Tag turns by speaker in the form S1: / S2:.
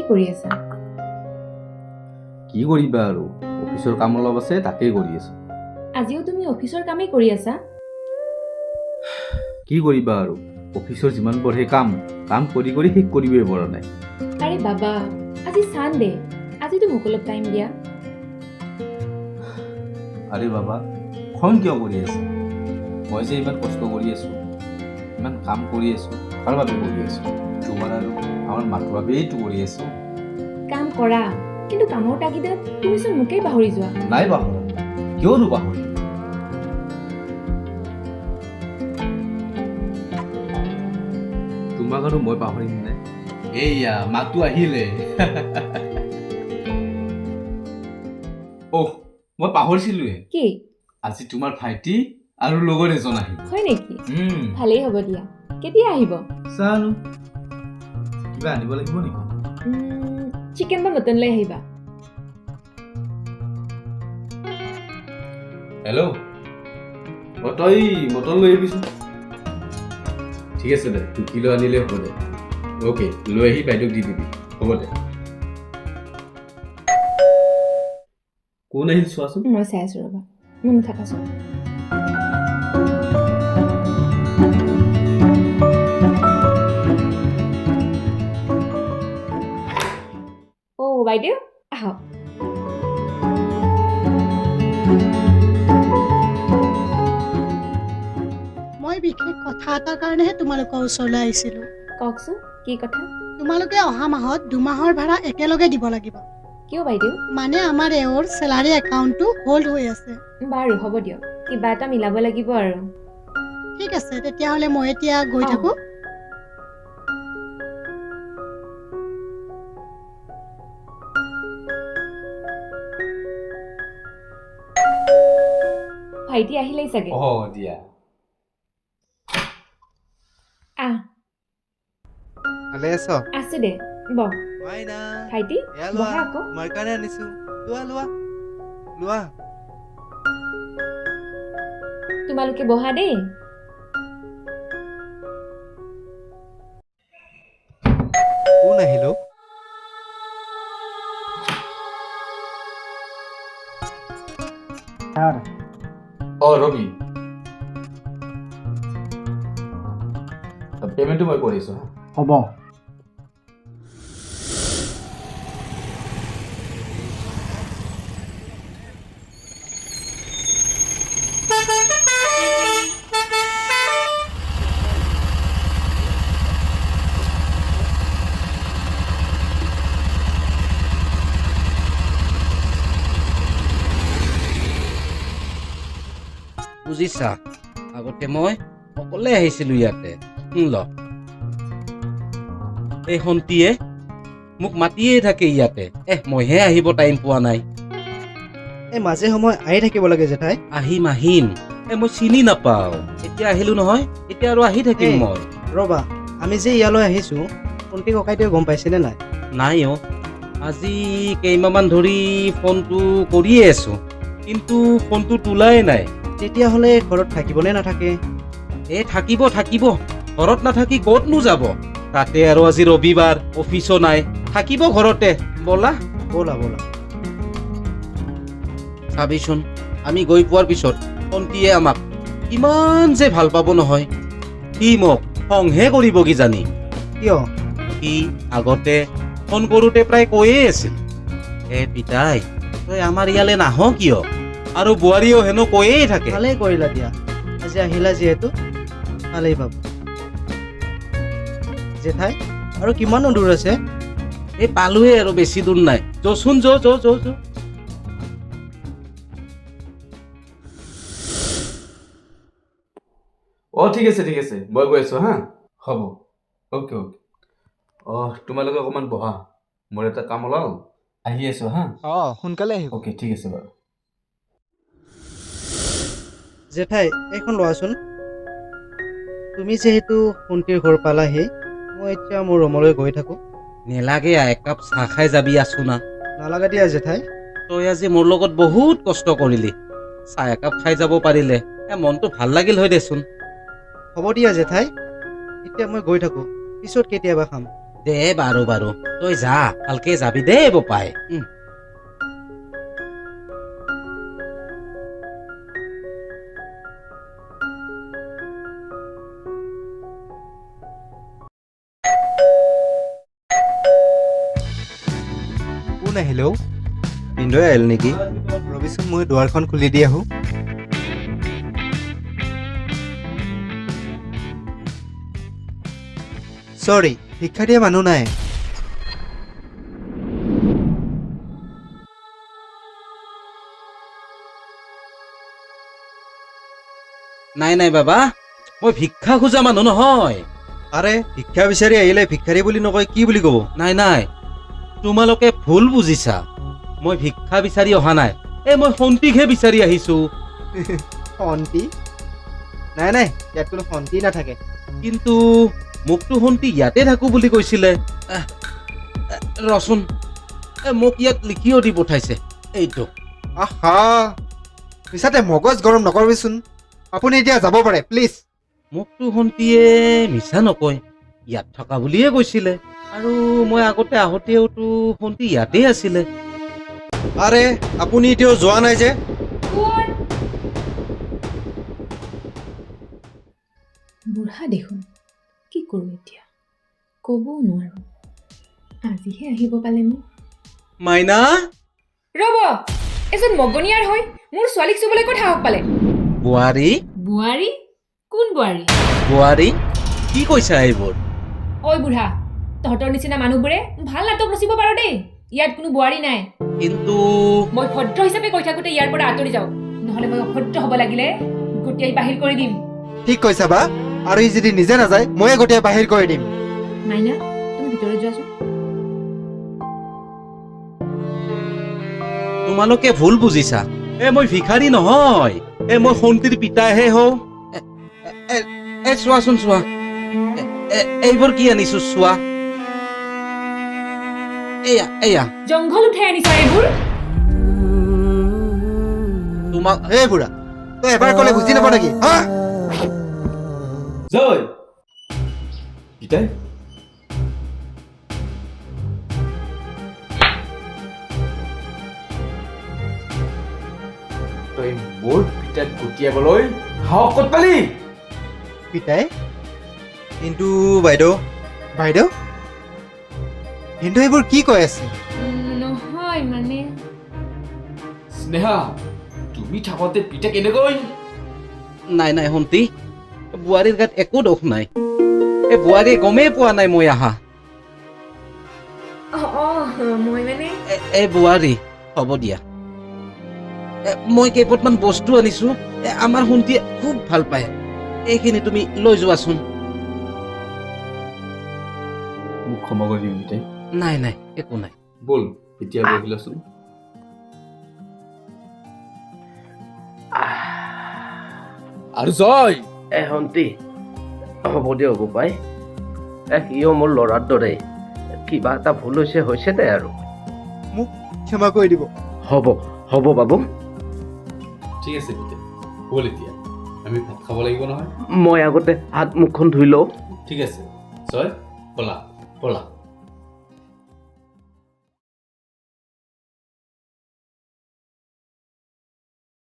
S1: কৰি আছা?
S2: কি কৰিবা আৰু অফিচৰ কাম অলপ আছে তাকেই কৰি আছো।
S1: আজিও তুমি অফিচৰ কামেই কৰি আছা?
S2: কি কৰিবা আৰু অফিচৰ যিমান পঢ়ে কাম কৰি কৰি শেষ কৰিবই পৰা নাই।
S1: আৰে বাবা, আজি চানডে, আজিতো মোক অলপ টাইম দিয়া।
S2: আৰে বাবা, খং কিয় কৰি আছা? মই যে ইমান কষ্ট কৰি আছো, ইমান কাম কৰি আছো, কাৰ বাবে কৰি আছো? তোমাৰ আৰু আমাৰ মাথোৰ বাবেইতো কৰি আছো।
S1: কাম কৰা, কিন্তু কামৰ তাগিদাত তুমিচোন মোকেই পাহৰি যোৱা।
S2: নাই পাহৰা, কিয়নো পাহৰি? তোমাক আৰু মই পাহৰিম নে? এইয়া মাতো আহিলে। অহ, মই পাহৰিছিলোৱে।
S1: কি?
S2: আজি তোমাৰ ভাইটি আৰু লগৰ এজন আহিব।
S1: হয় নেকি? ভালেই হ'ব দিয়া। কেতিয়া আহিব?
S2: জানো, কিবা আনিব লাগিব নেকি?
S1: চিকেন বা মটন লৈ আহিবা।
S2: হেল্ল', তই মটন লৈ আহিবিচোন। ঠিক আছে দে, 2 কিলো আনিলে হ'ব দে। অ'কে, লৈ আহি বাইদেউক দি দিবি। হ'ব দে। কোন আহিল চোৱাচোন।
S1: মই চাই আছো ৰ'বা, মন নাথাকাচোন। অ' বাইদেউ, আহক।
S3: মই বিশেষ কথা এটাৰ কাৰণেহে তোমালোকৰ ওচৰলৈ আহিছিলোঁ।
S1: কওকচোন, কি কথা?
S3: তোমালোকে অহা মাহত 2 মাহৰ ভাড়া একেলগে দিব লাগিব।
S1: কিয় বাইদেউ?
S3: মানে আমাৰ এওঁৰ চেলাৰী একাউণ্টটো হোল্ড হৈ আছে।
S1: বাৰু হ'ব দিয়ক, কিবা এটা মিলাব লাগিব আৰু।
S3: ঠিক আছে, তেতিয়াহ'লে মই এতিয়া গৈ
S1: অ'।
S3: থাকোঁ।
S1: ভাইটি আহিলেই চাগে।
S2: দিয়া।
S1: আহ,
S4: ভালে আছ?
S1: আছো দে, বহ।
S4: মাইনা,
S1: ভাইটি,
S4: এয়া লোৱা,
S1: বহা আকৌ।
S4: তোমাৰ কাৰণে আনিছো। লোৱা লোৱা লোৱা।
S1: তোমালোকে বহা দেই।
S4: কোন আহিল অ?
S2: ৰবি, পেমেণ্টটো মই কৰিছো।
S5: হ'ব।
S6: বুজিছা, আগতে মই অকলে আহিছিলো ইয়াতে। ল, এই সন্তীয়ে মোক মাতিয়ে থাকে ইয়াতে। মইহে আহিব টাইম পোৱা নাই।
S5: এই মাজে সময় আহি থাকিব লাগে জেঠাই।
S6: আহিম। মই চিনি নাপাওঁ। এতিয়া আহিলো নহয়, এতিয়া আৰু আহি থাকিম
S5: এই।
S6: মই।
S5: ৰ'বা, আমি যে ইয়ালৈ আহিছোঁ, কণ্টি ককাইদেৱে গম পাইছেনে নাই?
S6: নাই অ', আজি কেইমাহমান ধৰি ফোনটো কৰিয়ে আছো, কিন্তু ফোনটো তোলাই নাই।
S5: তেতিয়াহ'লে ঘৰত থাকিবনে নাথাকে?
S6: থাকিব, ঘৰত নাথাকি ক'তনো যাব? তাতে আৰু আজি ৰবিবাৰ, অফিচো নাই, থাকিব ঘৰতে। ব'লা।
S5: ব'লা।
S6: চাবিচোন, আমি গৈ পোৱাৰ পিছত ভণ্টিয়ে আমাক কিমান যে ভাল পাব নহয়। সি মোক খংহে কৰিব কিজানি।
S5: কিয়?
S6: সি আগতে ফোন কৰোঁতে প্ৰায় কৈয়ে আছিল, পিতাই তই আমাৰ ইয়ালৈ নাহ কিয়? আৰু বোৱাৰীও হেনো কৈয়ে থাকে।
S5: ভালেই কৰিলা দিয়া, আজি আহিলা যিহেতু ভালেই পাব। জেঠাই, আৰু কিমানো দূৰ আছে?
S6: পালোৱে আৰু বেছি দূৰ নাই। যচোন যো।
S2: ঠিক আছে, মই গৈ আছো হা। হ'ব, অ'কে। তোমালোকে অকণমান বহা, মোৰ এটা কাম ওলাল, আহি আছো হা।
S4: সোনকালে আহিব।
S2: অ'কে, ঠিক আছে বাৰু।
S5: জেঠাই, এইখন লোৱাচোন। তুমি যিহেতু ভণ্টিৰ ঘৰ পালাহি, মই এতিয়া মোৰ ৰুমলৈ গৈ থাকোঁ।
S6: নেলাগে, একাপ চাহ খাই যাবি আছো না।
S5: নালাগে দিয়া জেঠাই।
S6: তই আজি মোৰ লগত বহুত কষ্ট কৰিলি, চাহ একাপ খাই যাব পাৰিলে মনটো ভাল লাগিল হয় দেচোন।
S5: হ'ব দিয়া জেঠাই, এতিয়া মই গৈ থাকোঁ, পিছত কেতিয়াবা খাম।
S6: দে বাৰু বাৰু তই যা ভালকে যাবি দে বোপাই
S4: কোন আহিলে অ'? পিন্ধৈ আহিল নেকি ৰবিচোন মই দুৱাৰখন খুলি দি আহোঁ চৰি শিক্ষা দিয়া মানুহ নাই
S6: নাই নাই বাবা মই ভিক্ষা খোজা মানুহ নহয়
S4: আৰে শিক্ষা বিচাৰি আহিলে ভিক্ষাৰী বুলি নকয় কি বুলি ক'ব
S6: নাই নাই তোমালোকে ভুল বুজিছা মই ভিক্ষা বিচাৰি অহা নাই মই সন্তিকহে বিচাৰি আহিছো
S4: শন্তি নাই নাই ইয়াত কোনো শন্তি নাথাকে
S6: কিন্তু মোকতো সন্তি ইয়াতে থাকো বুলি কৈছিলে ৰচোন মোক ইয়াত লিখিও দি পঠাইছে এইটো
S4: আহা মিছাতে মগজ গৰম নকৰিবিচোন আপুনি এতিয়া যাব পাৰে প্লিজ
S6: মোকতো সন্তিয়ে মিছা নকয় ইয়াত থকা বুলিয়ে কৈছিলে আৰু মই আগতে আহোঁতেওতো সন্তি ইয়াতে আছিলে
S4: আৰে আপুনি এতিয়াও যোৱা নাই যে
S1: কোন বুঢ়া দেখোন কি কৰোঁ এতিয়া ক'বও নোৱাৰোঁ আজিহে আহিব পালে মোক
S6: মাইনা
S1: ৰ'ব এজন মগনীয়াৰ হৈ মোৰ ছোৱালীক চুবলৈ ক'ত সাহস পালে
S6: বোৱাৰী
S1: বোৱাৰী কোন বোৱাৰী
S6: বোৱাৰী কি কৈছা এইবোৰ
S1: ঐ বুঢ়া তহঁতৰ নিচিনা মানুহবোৰে ভাল নাটক ৰচিব পাৰ দেই ইয়াত কোনো বোৱাৰী নাই
S6: কিন্তু
S1: মই ভদ্ৰ হিচাপে কৈ থাকোঁতে ইয়াৰ পৰা আঁতৰি যাওঁ নহ'লে মই অভদ্ৰ হ'ব লাগিলে গোটেই বাহিৰ কৰি দিম
S4: ঠিক কৈছা বা আৰু ই যদি নিজে নাযায় ময়ে গোটেই বাহিৰ কৰি দিম
S1: মাইনা তুমি ভিতৰত যোৱাচোন
S6: তোমালোকে ভুল বুজিছা মই ভিখাৰী নহয় মই সন্তিৰ পিতাহে হওঁ চোৱাচোন চোৱা এইবোৰ কি আনিছো চোৱা এয়া এয়া
S1: জংঘল উঠাই আনিছা এইবোৰ
S6: তোমাক
S4: হে বুঢ়া তই এবাৰ ক'লে বুজি নাপাৱ নেকি হা
S2: জয় পিতাই তই মোৰ পিতাক গতিয়াবলৈ সাহস ক'ত পালি
S4: পিতাই কিন্তু বাইদেউ বাইদেউ কিন্তু এইবোৰ কি কৈ আছে
S1: নহয় মানে
S2: স্নেহা তুমি থাকোঁতে পিতাক এনেকৈ
S6: নাই নাই সন্তি বোৱাৰীৰ গাত একো দোষ নাই বোৱাৰীয়ে গমেই পোৱা নাই মই আহা
S1: মই মানে
S6: বোৱাৰী হ'ব দিয়া মই কেইপটমান বস্তু আনিছো আমাৰ সন্তিয়ে খুব ভাল পায় এইখিনি তুমি লৈ যোৱাচোন
S2: মোক ক্ষমা কৰি দিম পিতাই
S6: নাই নাই একো নাই
S2: ব'ল এতিয়া বহিলাচোন আৰু জয়
S7: সন্তি হ'ব দিয়ক বোপাই সিও মোৰ ল'ৰাৰ দৰে কিবা এটা ভুল হৈছে দে আৰু
S4: ক্ষমা কৰি দিব
S7: হ'ব হ'ব বাবু
S2: ঠিক আছে পিতাই ব'ল এতিয়া আমি ভাত খাব লাগিব নহয়
S7: মই আগতে হাত মুখখন ধুই লওঁ
S2: ঠিক আছে জয় ব'লা ব'লা